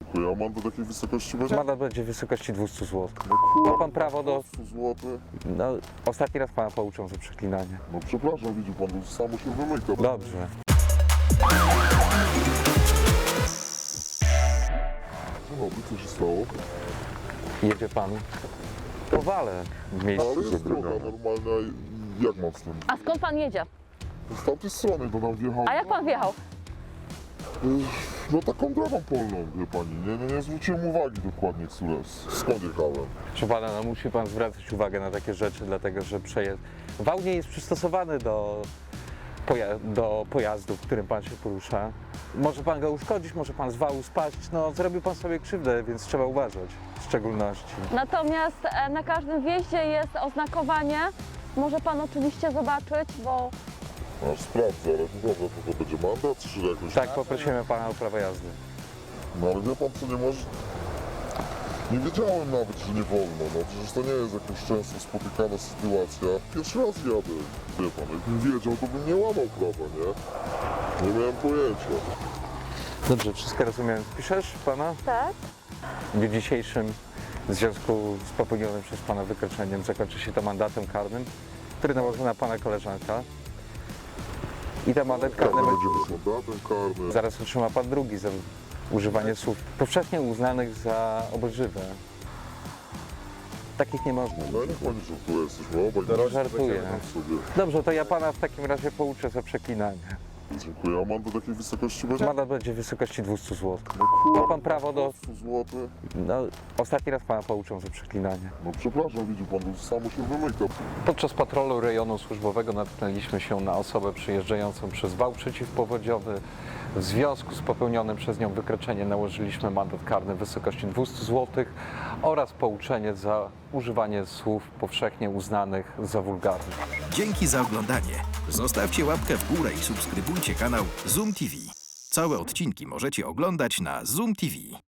Ja mam do takiej wysokości będzie? Mandat będzie w wysokości 200 zł. No kurwa, Ma pan prawo do... 200 zł. No, ostatni raz pana pouczą za przeklinanie. No przepraszam, widzi pan, to samo się wymyka. Dobrze. Dzień dobry, co się stało? Jedzie pan? Powalę w miejscu. Ale jest droga normalna, jak mam z tym? A skąd pan jedzie? Z tamtej strony to tam wjechał. A jak pan wjechał? No taką drogą polną, wie pani. Nie zwróciłem uwagi dokładnie, skąd jechałem. Proszę pana, no musi pan zwracać uwagę na takie rzeczy, dlatego że wał nie jest przystosowany do pojazdu, w którym pan się porusza. Może pan go uszkodzić, może pan z wału spaść, no zrobił pan sobie krzywdę, więc trzeba uważać w szczególności. Natomiast na każdym wjeździe jest oznakowanie. Może pan oczywiście zobaczyć, bo Aż sprawdzę, ale to dobra, to będzie mandat, czy jakoś... Tak, poprosimy pana o prawo jazdy. No ale wie pan co, nie może... Nie wiedziałem nawet, że nie wolno, no przecież to nie jest jakaś często spotykana sytuacja. Pierwszy raz jadę, wie pan, jakbym wiedział, to bym nie łamał prawa, nie? Nie miałem pojęcia. Dobrze, wszystko rozumiem. Piszesz pana? tak. W dniu dzisiejszym w związku z popełnionym przez pana wykroczeniem zakończy się to mandatem karnym, który nałoży na pana koleżanka. I ten mandat karny Karny będzie... będzie bez mandatem karnym. Zaraz otrzyma pan drugi za używanie słów powszechnie uznanych za obelżywe. Takich nie można. No niech pani żartuje, jesteśmy obaj. Żartuję. Sobie. Dobrze, to ja pana w takim razie pouczę za przeklinanie. Dziękuję, a mam do takiej wysokości będzie? Mandat będzie w wysokości 200 zł. No kurwa, Ma pan prawo do... 200 zł. No, ostatni raz pana pouczą za przeklinanie. No przepraszam, widzi pan, to samo się wymyka. Podczas patrolu rejonu służbowego natknęliśmy się na osobę przyjeżdżającą przez wał przeciwpowodziowy. W związku z popełnionym przez nią wykroczeniem nałożyliśmy mandat karny w wysokości 200 zł oraz pouczenie za używanie słów powszechnie uznanych za wulgarne. Dzięki za oglądanie. Zostawcie łapkę w górę i subskrybujcie kanał Zoom TV. Całe odcinki możecie oglądać na Zoom TV.